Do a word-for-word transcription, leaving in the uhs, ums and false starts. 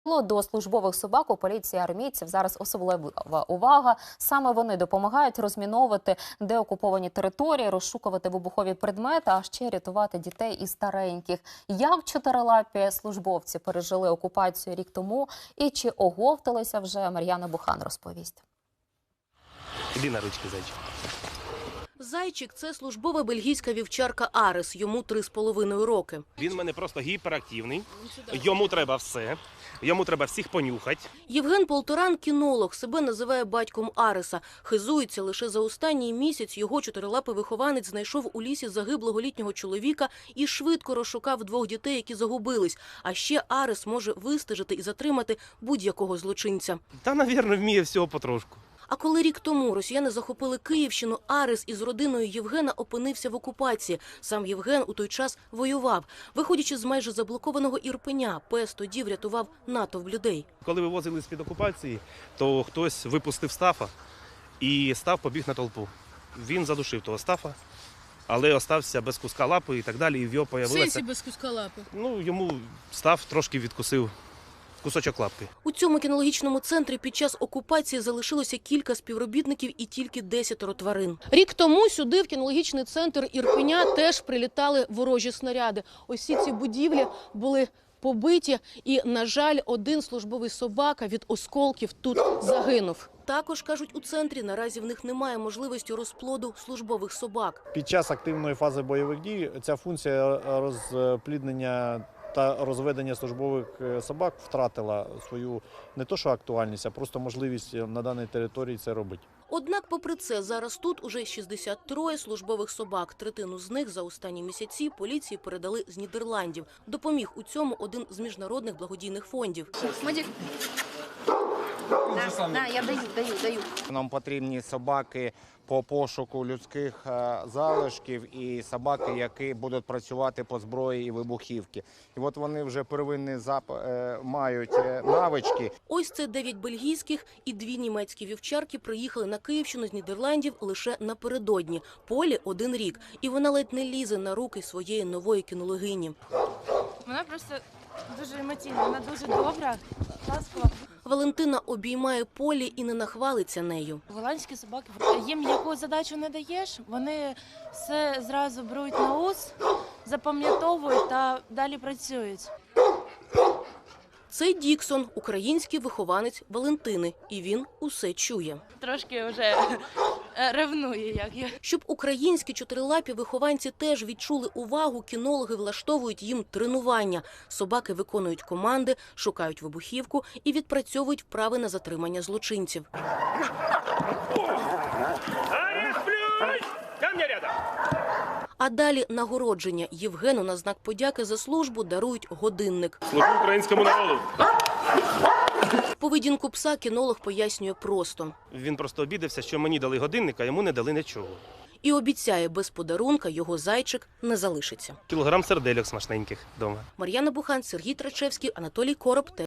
До службових собак у поліції армійців зараз особлива увага. Саме вони допомагають розміновувати деокуповані території, розшукувати вибухові предмети, а ще рятувати дітей і стареньких. Як чотирилапі службовці пережили окупацію рік тому і чи оговталися вже, Мар'яна Бухан розповість. Іди на ручки, зайчик. Зайчик – це службова бельгійська вівчарка Арес, йому три з половиною роки. Він в мене просто гіперактивний, йому треба все, йому треба всіх понюхати. Євген Полторан – кінолог, себе називає батьком Ареса. Хизується, лише за останній місяць його чотирилапий вихованець знайшов у лісі загиблого літнього чоловіка і швидко розшукав двох дітей, які загубились. А ще Арес може вистежити і затримати будь-якого злочинця. Та, навірно, вміє всього потрошку. А коли рік тому росіяни захопили Київщину, Арес із родиною Євгена опинився в окупації. Сам Євген у той час воював. Виходячи з майже заблокованого Ірпеня, пес тоді врятував натовп людей. Коли вивозили з-під окупації, то хтось випустив Стафа і Стаф побіг на толпу. Він задушив того Стафа, але остався без куска лапи і так далі. І в його появилося... В сенсі без куска лапи? Ну, йому Стаф трошки відкусив кусочок лапки. У цьому кінологічному центрі під час окупації залишилося кілька співробітників і тільки десятеро тварин. Рік тому сюди, в кінологічний центр Ірпеня, теж прилітали ворожі снаряди. Ось ці будівлі були побиті і, на жаль, один службовий собака від осколків тут загинув. Також, кажуть у центрі, наразі в них немає можливості розплоду службових собак. Під час активної фази бойових дій ця функція розпліднення та розведення службових собак втратила свою не то що актуальність, а просто можливість на даній території це робити. Однак, попри це, зараз тут уже шістдесят три службових собак. Третину з них за останні місяці поліції передали з Нідерландів. Допоміг у цьому один з міжнародних благодійних фондів. Мадік. На, на, я даю, даю, даю. Нам потрібні собаки по пошуку людських залишків і собаки, які будуть працювати по зброї і вибухівки. І от вони вже первинні зап... мають навички. Ось це дев'ять бельгійських і дві німецькі вівчарки приїхали на Київщину з Нідерландів лише напередодні. Полі один рік. І вона ледь не лізе на руки своєї нової кінологині. Вона просто дуже емоційна, вона дуже добра, ласкава. Валентина обіймає Полі і не нахвалиться нею. Голландські собаки, їм яку задачу не даєш, вони все зразу беруть на ус, запам'ятовують та далі працюють. Це Діксон, український вихованець Валентини, і він усе чує. Трошки вже ревнує, як я. Щоб українські чотирилапі вихованці теж відчули увагу, кінологи влаштовують їм тренування. Собаки виконують команди, шукають вибухівку і відпрацьовують вправи на затримання злочинців. А далі нагородження. Євгену на знак подяки за службу дарують годинник. Служу українському народу. Поведінку пса кінолог пояснює просто. Він просто обідався, що мені дали годинник, а йому не дали нічого. І обіцяє, без подарунка його зайчик не залишиться. Кілограм сердельок смачненьких вдома. Мар'яна Бухан, Сергій Трачевський, Анатолій Короб.